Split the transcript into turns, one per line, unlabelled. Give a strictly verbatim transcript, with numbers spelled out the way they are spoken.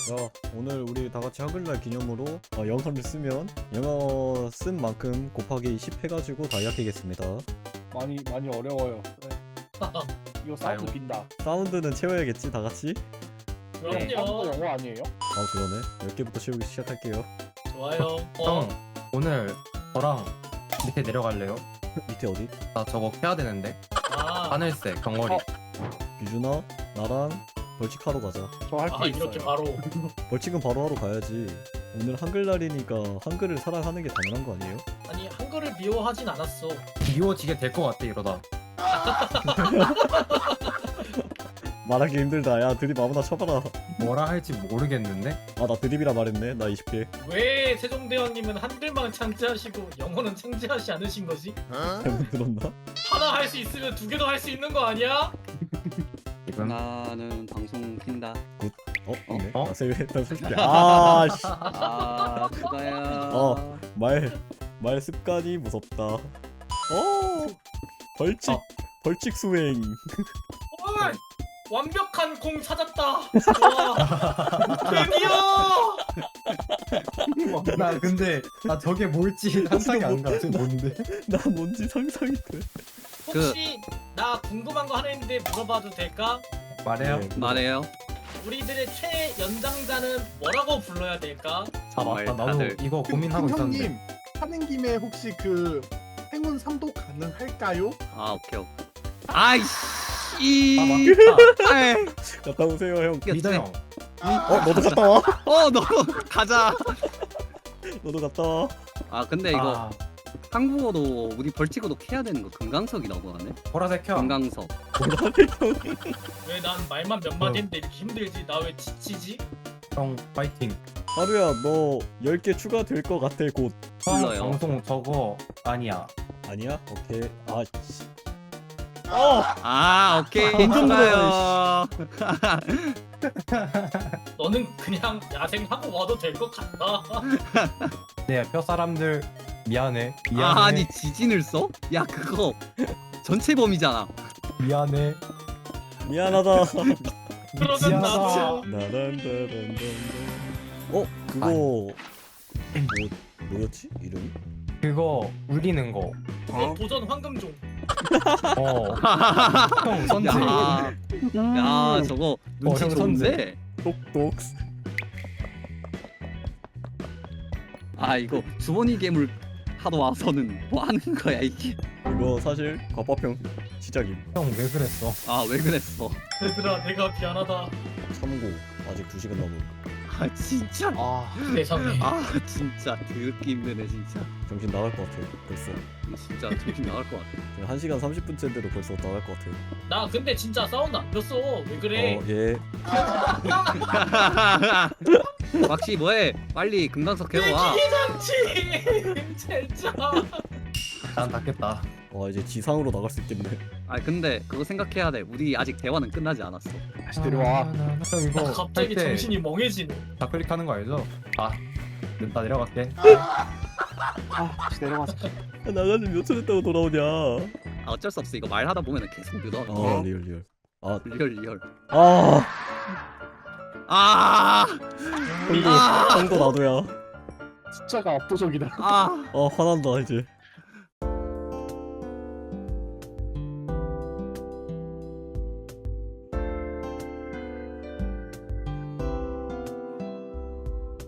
자, 오늘 우리 다 같이 한글날 기념으로 어, 영어를 쓰면 영어 쓴 만큼 곱하기 십 해가지고 다이아키겠습니다.
많이 많이 어려워요. 네. 이거 사운드
아유.
빈다.
사운드는 채워야겠지, 다 같이?
사운드
그럼요.
영어 아니에요?
아, 그러네. 열 개부터 채우기 시작할게요.
좋아요. 어,
형 오늘 저랑 밑에 내려갈래요?
밑에 어디?
나 저거 해야 되는데
아,
하늘색 경거리.
어.
유준아, 나랑 벌칙하러 가자.
저 할 게
아
있어요.
이렇게 바로.
벌칙은 바로 하러 가야지. 오늘 한글날이니까 한글을 사랑하는 게 당연한 거 아니에요?
아니 한글을 미워하진 않았어.
미워지게 될 것 같아 이러다.
말하기 힘들다. 야, 드립 아무나 쳐봐라.
뭐라 할지 모르겠는데.
아, 나 드립이라 말했네. 나 이십 개.
왜 세종대왕님은 한글만 창제하시고 영어는 창제하지 않으신 거지?
잘못 들었나?
하나 할 수 있으면 두 개도 할 수 있는 거 아니야?
지금
나는 방송 킨다.
어? 있네.
어?
나 세, 나 세 개. 아, 씨.
아, 그거야.
어. 말, 말 습관이 무섭다. 어, 벌칙,
어.
벌칙 수행.
헐! 완벽한 공 찾았다. 와, 드디어.
나 근데 나 저게 뭘지 상상이 안 가. 저게 뭔데?
나 뭔지 상상이 돼.
혹시 나 궁금한 거 하나 있는데 물어봐도 될까?
말해요.
네,
말해요.
우리들의 최연장자는 뭐라고 불러야 될까?
아 맞다. 나도
다들.
이거 고민하고
그
있었는데.
형님 하는 김에 혹시 그 행운 삼도 가능할까요?
아, 오케이, 오케이. 아이씨.
아 맞다.
아이,
갔다 오세요, 형.
리더 형.
어, 너도 갔다 와.
어, 너 가자.
너도 갔다 와.
아, 근데 이거
아,
한국어도 우리 벌칙어도 캐야 되는 거 금강석이라고 하네.
보라색 형.
금강석.
왜 난 말만 몇 마디 했는데 이렇게 힘들지? 나 왜 지치지?
형 파이팅.
하루야, 너 열 개 추가될 것 같아, 곧.
형
불러요.
방송 저거 아니야.
아니야? 오케이. 아, 씨. 어!
아, 오케이.
완전
좋아요.
너는 그냥 야생하고 와도 될 것 같다.
네, 뼈 사람들 미안해. 미안해.
아, 아니 지진을 써? 야, 그거 전체 범위잖아.
미안해.
미안하다.
그러면
미안하다.
나도
나란다란단단. 어? 그거 뭐 뭐였지? 이름이?
그거 울리는 거.
그거 도전 황금종.
어. 형 선지.
야, 야, 저거 눈치
형
좋은데.
똑똑.
아, 이거 주머니 괴물 하러 와서는 뭐 하는 거야 이게?
이거 사실 과파평 시작임.
형 왜 그랬어?
아, 왜 그랬어?
얘들아 내가 미안하다.
참고 아직 두 시간 남은.
아, 진짜.
아,
세상에.
아, 진짜 더럽게 힘드네 진짜.
정신 나갈 것 같아. 벌써.
진짜 정신 나갈 것 같아.
지금 한 시간 삼십 분째인데도 벌써 나갈 것 같아.
나 근데 진짜 사운드 안 꼈어. 왜 그래?
어, 예.
막시 뭐해? 빨리 금강석 해러 와.
기장치 진짜.
난 닫겠다.
와, 이제 지상으로 나갈 수 있겠네.
아, 근데 그거 생각해야 돼. 우리 아직 대화는 끝나지 않았어.
다시 데려와.
형 이거
나 갑자기
할 때
정신이 멍해지네.
좌클릭하는 거 알죠? 아, 나 내려갈게.
아, 다시 내려가자.
나가지 몇 초 됐다고 돌아오냐?
아, 어쩔 수 없어. 이거 말하다 보면 계속 늘어.
아, 리얼 리얼. 아,
리얼 리얼.
아,
아,
형도
아.
형도 나도야.
숫자가 압도적이다.
아.
아, 화난다 이제.